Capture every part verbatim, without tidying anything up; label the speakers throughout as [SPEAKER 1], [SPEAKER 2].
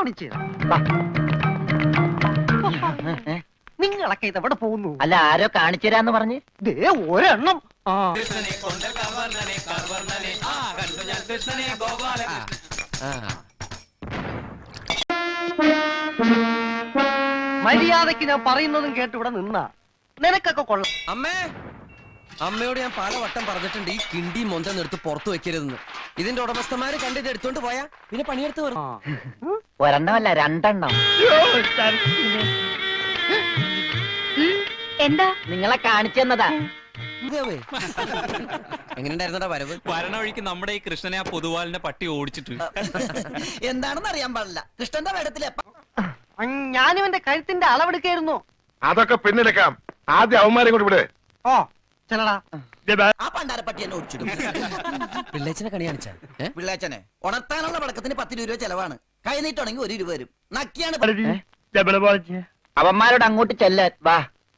[SPEAKER 1] കാണിച്ചു നിങ്ങളൊക്കെ ഇതെവിടെ പോകുന്നു?
[SPEAKER 2] അല്ല ആരോ കാണിച്ചു തരാന്ന് പറഞ്ഞ്
[SPEAKER 1] ദേ ഒരെണ്ണം. മര്യാദക്ക് ഞാൻ പറയുന്നതും കേട്ട് ഇവിടെ നിന്നാ നിനക്കൊക്കെ കൊള്ളാം.
[SPEAKER 3] അമ്മേ, അമ്മയോട് ഞാൻ പല വട്ടം പറഞ്ഞിട്ടുണ്ട് ഈ കിണ്ടി മൊന്ത നിർത്ത് പുറത്തു വെക്കരുതെന്ന്. ഇതിന്റെ ഉടമസ്ഥന്മാര് കണ്ടിത് എടുത്തോണ്ട് പോയാ പിന്നെ പണിയെടുത്ത് വരും.
[SPEAKER 2] ഒരെണ്ണമല്ല രണ്ടെണ്ണം.
[SPEAKER 4] എന്താ
[SPEAKER 2] നിങ്ങളെ കാണിച്ചു തന്നതാ.
[SPEAKER 3] എങ്ങനെയുണ്ടായിരുന്നടാ വരവ്?
[SPEAKER 5] വരണ വഴിക്ക് നമ്മുടെ ഈ കൃഷ്ണനെ ആ പൊതുവാലിന്റെ പട്ടി ഓടിച്ചിട്ട്
[SPEAKER 3] എന്താണെന്ന് അറിയാൻ പാടില്ല. കൃഷ്ണന്റെ വേടത്തിലെ
[SPEAKER 1] ഞാനിവന്റെ കഴുത്തിന്റെ അളവെടുക്കായിരുന്നു.
[SPEAKER 6] അതൊക്കെ പിന്നെടുക്കാം. ആദ്യം അവന്മാരെ കൊണ്ട് വിട്.
[SPEAKER 1] ഓ ചെല്ലടാ.
[SPEAKER 3] ആ പണ്ടാരപ്പട്ടി എന്നെ ഓടിച്ചിടും. പിള്ളേച്ചനെ കണി കാണിച്ചാ പിള്ളേച്ചനെ ഉണർത്താനുള്ള പടക്കത്തിന് പത്ത് രൂപ ചെലവാണ്. കൈ നീട്ടുണ്ടെങ്കിൽ ഒരു രൂപ വരും. നക്കിയാണ്
[SPEAKER 2] അവന്മാരോട് അങ്ങോട്ട് ചെല്ലാൻ വാ.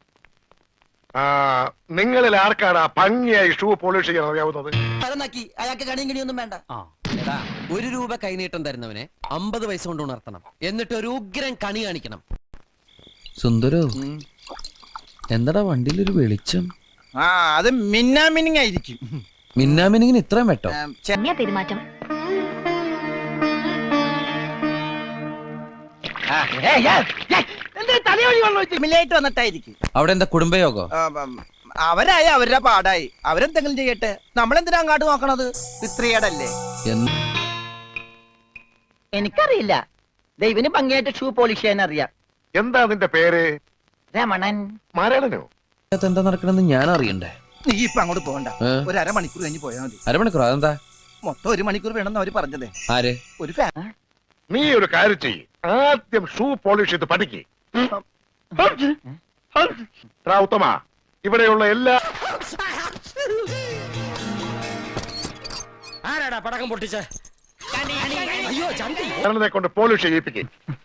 [SPEAKER 6] നിങ്ങളിൽ ആർക്കാണ് ആ ഭംഗിയായി ഷൂ പോളിഷ് ചെയ്യാൻ അറിയാവുന്നത്?
[SPEAKER 3] നക്കി അയാൾക്ക് കണിയും കണിയൊന്നും വേണ്ട. എടാ, ഒരു രൂപ കൈനീട്ടം തരുന്നവനെ അമ്പത് പൈസ കൊണ്ട് ഉണർത്തണം. എന്നിട്ട് ഒരു ഉഗ്രൻ കണി കാണിക്കണം. സുന്ദരോ, എന്താടാ വണ്ടിയിലൊരു വെളിച്ചം?
[SPEAKER 7] ആ അത് മിന്നാമിനിങ് ആയിരിക്കും.
[SPEAKER 3] മിന്നാമിനിങ്ങിന് ഇത്രയും വെട്ടോ?
[SPEAKER 4] പെരുമാറ്റം
[SPEAKER 7] മില്ലായിട്ട് വന്നിട്ടായിരിക്കും.
[SPEAKER 3] അവിടെ എന്താ കുടുംബയോഗോ?
[SPEAKER 7] അവരായി അവരുടെ പാടായി, അവരെന്തെങ്കിലും ചെയ്യട്ടെ. നമ്മളെന്തിനാ അങ്ങോട്ട് നോക്കണത്? സ്ത്രീയടല്ലേ?
[SPEAKER 2] എനിക്കറിയില്ല. ദൈവന് ഭംഗിയായിട്ട് ഷൂ പോളിഷ് ചെയ്യാൻ അറിയാം.
[SPEAKER 6] എന്താ നിന്റെ പേര്?
[SPEAKER 2] രമണൻ.
[SPEAKER 6] മരണനോ?
[SPEAKER 3] എന്താ നടക്കണെന്ന് ഞാൻ അറിയണ്ടേ?
[SPEAKER 7] നീ ഇപ്പൊ അങ്ങോട്ട് പോകണ്ട. ഒരു അരമണിക്കൂർ കഴിഞ്ഞ് പോയാൽ മതി.
[SPEAKER 3] അരമണിക്കൂർ? അതെന്താ?
[SPEAKER 7] മൊത്തം ഒരു മണിക്കൂർ വേണമെന്ന് അവര് പറഞ്ഞതേ.
[SPEAKER 3] ആര്?
[SPEAKER 7] ഒരു ഫാൻ.
[SPEAKER 6] നീ ഒരു കാര്യം ചെയ്യ്, ആദ്യം ഷൂ പോളിഷ് ചെയ്ത് പഠിക്ക്. ഉത്തമ, ഇവിടെയുള്ള എല്ലാ
[SPEAKER 3] ആരാടാ പടക്കം പൊട്ടിച്ച?
[SPEAKER 6] കൊണ്ട് പോളിഷ് ചെയ്യിപ്പിക്ക്.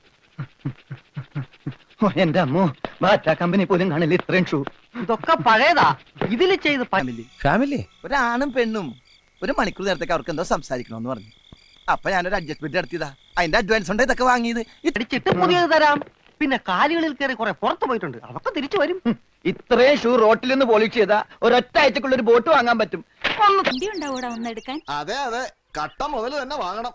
[SPEAKER 2] എന്റെ അമ്മോ, ബാറ്റാ കമ്പനി പോലും കാണില്ല ഇത്രയും ഷൂ.
[SPEAKER 1] ഇതൊക്കെ പഴയതാ. ഇതില് ചെയ്ത്
[SPEAKER 7] ഫാമിലി
[SPEAKER 3] ഫാമിലി
[SPEAKER 7] ഒരാണും പെണ്ണും ഒരു മണിക്കൂർ നേരത്തേക്ക് അവർക്ക് എന്തോ സംസാരിക്കണമെന്ന് പറഞ്ഞു. അപ്പൊ ഞാനൊരു അഡ്ജസ്റ്റ്മെന്റ് നടത്തിയതാ. അതിന്റെ അഡ്വാൻസ് ഉണ്ട് ഇതൊക്കെ വാങ്ങിയത്.
[SPEAKER 1] ഇടിച്ചിട്ട് പുതിയത് തരാം. പിന്നെ കാലുകളിൽ കയറി കുറെ പുറത്തു പോയിട്ടുണ്ട്, അതൊക്കെ തിരിച്ചു വരും.
[SPEAKER 2] ഇത്രയും ഷൂ റോട്ടിൽ നിന്ന് പോളിഷ് ചെയ്താ ഒരൊറ്റ ആഴ്ചക്കുള്ള ഒരു ബോട്ട് വാങ്ങാൻ പറ്റും.
[SPEAKER 4] ഒന്നെടുക്കാൻ
[SPEAKER 8] അതെ അതെ, കട്ട മുതൽ തന്നെ വാങ്ങണം.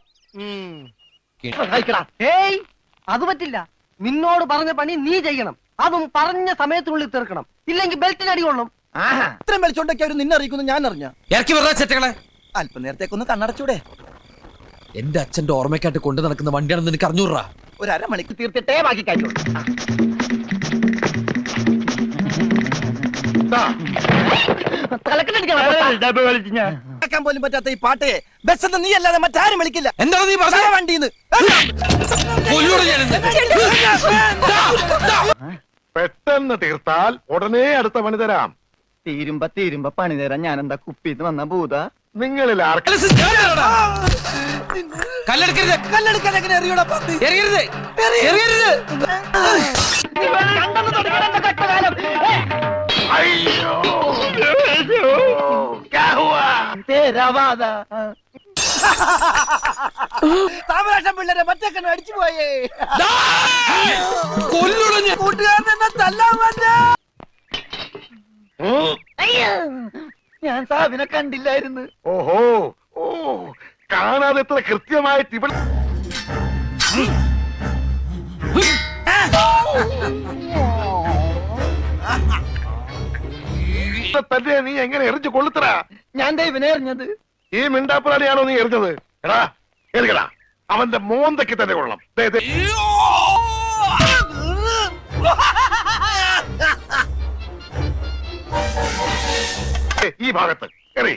[SPEAKER 1] ഏയ് അത് പറ്റില്ല. നിന്നോട് പറഞ്ഞ പണി നീ ചെയ്യണം. അതും പറഞ്ഞ സമയത്തിനുള്ളിൽ തീർക്കണം. ഇല്ലെങ്കിൽ ബെൽറ്റിന് അടികൊള്ളും.
[SPEAKER 7] ഇത്രയും വെളിച്ചോണ്ടൊക്കെ അവർ നിന്നെ അറിയിക്കുന്നു ഞാൻ അറിഞ്ഞ.
[SPEAKER 3] ഇറക്കി വിടാ ചെറ്റകളെ.
[SPEAKER 7] അല്പം നേരത്തേക്കൊന്ന് കണ്ണടച്ചൂടെ?
[SPEAKER 3] എന്റെ അച്ഛന്റെ ഓർമ്മയ്ക്കായിട്ട് കൊണ്ടു നടക്കുന്ന വണ്ടിയാണെന്ന് എനിക്ക് അറിഞ്ഞൂറാ.
[SPEAKER 7] ഒരു അരമണിക്കൂർ
[SPEAKER 2] തീർത്തിട്ടേ ബാക്കി കഴിച്ചു.
[SPEAKER 7] കേൾക്കാൻ പോലും പറ്റാത്ത ഈ പാട്ട് ബസ് നീ അല്ലാതെ മറ്റാരും വിളിക്കില്ല.
[SPEAKER 3] എന്താണ് നീ പറഞ്ഞ?
[SPEAKER 7] വണ്ടിന്ന്
[SPEAKER 6] പെട്ടെന്ന് തീർത്താൽ ഉടനെ അടുത്ത പണി തരാം.
[SPEAKER 2] തീരുമ്പ തീരുമ്പ പണി തരാൻ ഞാൻ എന്താ കുപ്പിന്ന് വന്ന ഭൂത?
[SPEAKER 6] നിങ്ങളിൽ ആർക്ക്
[SPEAKER 3] കല്ലെടുക്കരുത്.
[SPEAKER 7] കല്ലെടുക്കാൻ എങ്ങനെ അറിയൂടാ?
[SPEAKER 3] എറിയരുത്, എറിയരുത്.
[SPEAKER 7] താമരാശം പിള്ളേരെ മറ്റേക്കണ്ണു അടിച്ചു പോയേ.
[SPEAKER 3] കൊല്ലുടഞ്ഞ്
[SPEAKER 7] കൂട്ടുകാരൻ എന്നെ തല്ലാൻ പറ്റാ.
[SPEAKER 2] ഞാൻ സാബിനെ കണ്ടില്ലായിരുന്നു.
[SPEAKER 6] ഓഹോ, ഓ കാണാതെ എത്ര കൃത്യമായിട്ട് ഇവിടെ തന്നെ നീ എങ്ങനെ എറിഞ്ഞു കൊള്ളുത്തറ?
[SPEAKER 2] ഞാൻ ദൈവനെ എറിഞ്ഞത്.
[SPEAKER 6] ഈ മിണ്ടാപ്പുറാണിയാണോ നീ എറിഞ്ഞത്? എടാ എറിയടാ, അവന്റെ മോന്തയ്ക്ക് തന്നെ കൊള്ളണം. ഈ ഭാഗത്ത് എറി.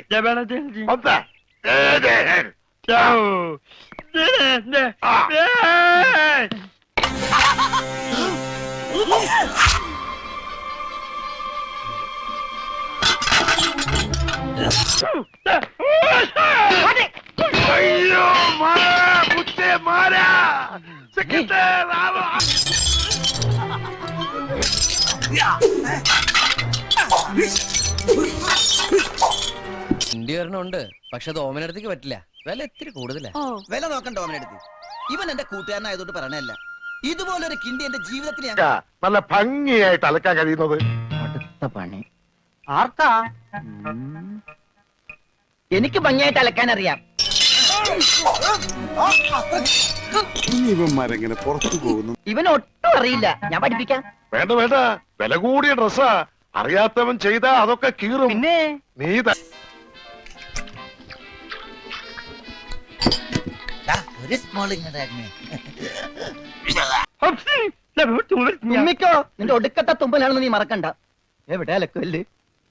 [SPEAKER 6] അയ്യോ മാരാ
[SPEAKER 3] വണ്ടി വരണുണ്ട്, പക്ഷെ അത് ഓമനടുത്തേക്ക് പറ്റില്ല. വില ഇത്തിരി കൂടുതലാ.
[SPEAKER 7] വില നോക്കണ്ട ഓമനടുത്ത്. ഇവൻ എന്റെ കൂട്ടുകാരനായതുകൊണ്ട് പറയണല്ല. ഇതുപോലൊരു കിണ്ടി എന്റെ ജീവിതത്തിൽ ഞാൻ
[SPEAKER 6] നല്ല ഭംഗിയായിട്ട് അലക്കാൻ കഴിയുന്നത്.
[SPEAKER 2] അടുത്ത പണി
[SPEAKER 1] ആർക്കാ?
[SPEAKER 2] എനിക്ക് ഭംഗിയായിട്ട് അലക്കാൻ അറിയാം.
[SPEAKER 8] ഇവന്മാരെങ്ങനെ പുറത്തു പോകുന്നു?
[SPEAKER 2] ഇവൻ ഒട്ടും അറിയില്ല, ഞാൻ പഠിപ്പിക്കാം.
[SPEAKER 6] വേണ്ട വേണ്ട, വില കൂടിയ ഡ്രസ്സാ. അറിയാത്തവൻ ചെയ്താ അതൊക്കെ കീറും.
[SPEAKER 1] പിന്നെ
[SPEAKER 6] നീ ത-
[SPEAKER 7] ഒരു സ്മോൾ
[SPEAKER 2] തുമ്മിക്കോ, നിന്റെ ഒടുക്കത്തെ തുമ്പലാണെന്ന് നീ മറക്കണ്ട. എവിടെ അലക്കല്ലേ?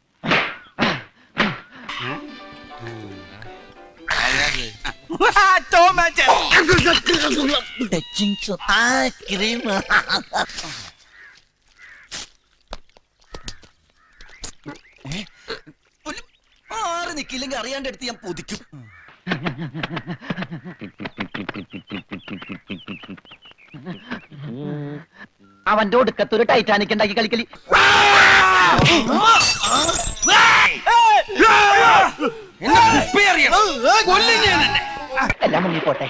[SPEAKER 7] ആറ് നിക്കില്ലെങ്കിൽ അറിയാണ്ട് എടുത്ത് ഞാൻ പൊതിക്കും.
[SPEAKER 2] അവന്റെ ഒടുക്കത്ത് ഒരു ടൈറ്റാനിക് ഉണ്ടാക്കി കളിക്കലി. എല്ലാം മുങ്ങി പോട്ടെ.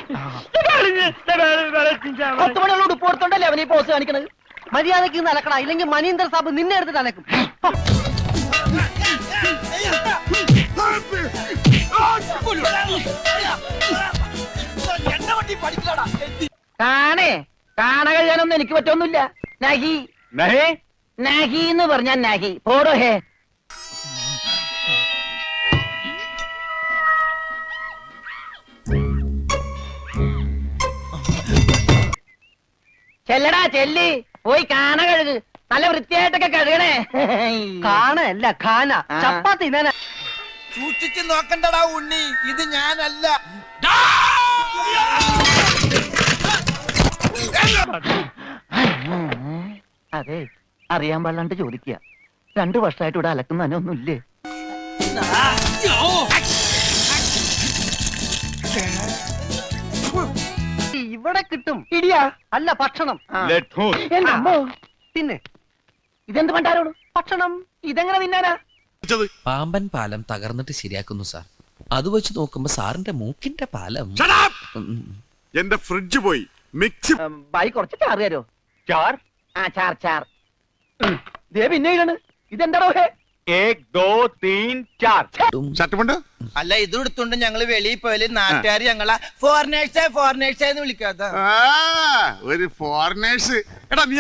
[SPEAKER 2] പത്ത് മണിയുള്ള ഉടുപ്പ് കൊടുത്തോണ്ടല്ലേ അവനീ പോസ് കാണിക്കണത്.
[SPEAKER 1] മര്യാദക്ക് ഇന്ന് അലക്കണ, ഇല്ലെങ്കിൽ മനീന്ദർ സാബ് നിന്നെ എടുത്തിട്ട് അലക്കും.
[SPEAKER 2] കാണേ, കാണ കഴിയാനൊന്നും എനിക്ക് പറ്റൊന്നുമില്ല. നഹി നഹി എന്ന് പറഞ്ഞാൽ നഹി. പോടോ ഹേ. ചെല്ലടാ ചെല്ലി, പോയി കാണ കഴുക്. നല്ല വൃത്തിയായിട്ടൊക്കെ കഴുകണേ.
[SPEAKER 1] കാണല്ല ഖാന.
[SPEAKER 2] ആ.
[SPEAKER 1] ചപ്പാത്തി തിന്നാനാ.
[SPEAKER 7] സൂക്ഷിച്ച് നോക്കണ്ടടാ ഉണ്ണി, ഇത് ഞാനല്ല.
[SPEAKER 2] അതെ, അറിയാൻ പാടില്ലാണ്ട് ചോദിക്കുക. രണ്ടു വർഷമായിട്ട് ഇവിടെ അലക്കുന്ന ഒന്നുമില്ലേ?
[SPEAKER 1] ഇവിടെ കിട്ടും.
[SPEAKER 2] ഇടിയാ
[SPEAKER 1] അല്ല ഭക്ഷണം.
[SPEAKER 2] എന്റെ അമ്മോ,
[SPEAKER 1] പിന്നെ
[SPEAKER 2] ഇതെന്ത് പണ്ടാരോട്
[SPEAKER 1] ഭക്ഷണം.
[SPEAKER 2] ഇതെങ്ങനെ തിന്നാനാ?
[SPEAKER 3] പാമ്പൻ പാലം തകർന്നിട്ട് ശരിയാക്കുന്നു സാർ. അത് വെച്ച് നോക്കുമ്പോ സാറിന്റെ മൂക്കിന്റെ പാലം. ഉം.
[SPEAKER 8] എന്റെ ഫ്രിഡ്ജ് പോയി, മിക്സി
[SPEAKER 2] ബായി കുറച്ച് ചാറ് തരോ? ചാർ? ആ ചാർ ചാർ. ദേ പിന്നെ ഇതാണ്. ഇതെന്താണോ ഹേ?
[SPEAKER 8] ഷർട്ടുമുണ്ട്.
[SPEAKER 7] അല്ല, ഇത് എടുത്തോണ്ട് ഞങ്ങള് വെളിയിൽ പോയാല് നാട്ടുകാർ ഞങ്ങളെ ഫോറിനേഴ്സേ ഫോറിനേഴ്സേ എന്ന് വിളിക്കാത്ത.
[SPEAKER 8] ആ, ഒരു ഫോറിനേഴ്സ്. എടാ നീ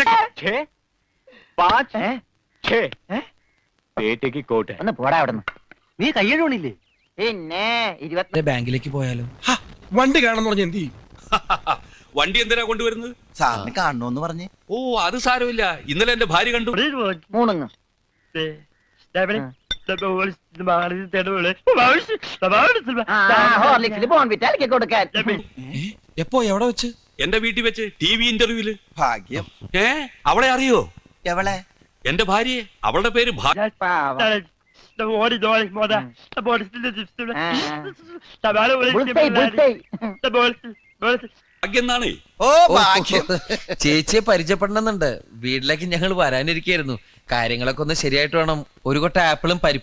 [SPEAKER 2] ഒന്ന് പോടാ അവിടെ നിന്ന്.
[SPEAKER 1] നീ കയ്യഴുണില്ലേ?
[SPEAKER 2] പിന്നെ ഇരുപത്തി
[SPEAKER 3] ബാങ്കിലേക്ക് പോയാലോ?
[SPEAKER 9] വണ്ടി കാണാന്ന് പറഞ്ഞ എന്ത് ചെയ്യും?
[SPEAKER 5] വണ്ടി എന്തിനാ കൊണ്ടുവരുന്നത്?
[SPEAKER 7] സാറിന് കാണണോന്ന് പറഞ്ഞ്.
[SPEAKER 5] ഓ അത് സാരമില്ല, ഇന്നലെ എന്റെ ഭാര്യ കണ്ടു.
[SPEAKER 2] മൂണുങ്ങ്. ഹോർലിക്സിൽ ബോൺവിറ്റ അലക്കി കൊടുക്കാൻ.
[SPEAKER 3] എപ്പോ എവിടെ വെച്ച്?
[SPEAKER 5] എന്റെ വീട്ടിൽ വെച്ച് ടി വി ഇന്റർവ്യൂല്.
[SPEAKER 7] ഭാഗ്യം.
[SPEAKER 5] ഏ അവളെ അറിയോ?
[SPEAKER 7] എവളെ?
[SPEAKER 5] എന്റെ ഭാര്യയെ. അവളുടെ പേര് ഭാ-
[SPEAKER 2] പാവം. Bullseye, bullseye.
[SPEAKER 5] ഭാഗ്യം എന്നാണ്.
[SPEAKER 7] ഓ ഭാഗ്യം.
[SPEAKER 3] ചേച്ചിയെ പരിചയപ്പെടണമെന്നുണ്ട്. വീട്ടിലേക്ക് ഞങ്ങൾ വരാനിരിക്കായിരുന്നു. കാര്യങ്ങളൊക്കെ ഒന്ന് ശരിയായിട്ട് വേണം. ഒരു കൊട്ട ആപ്പിളും പരിപ്പും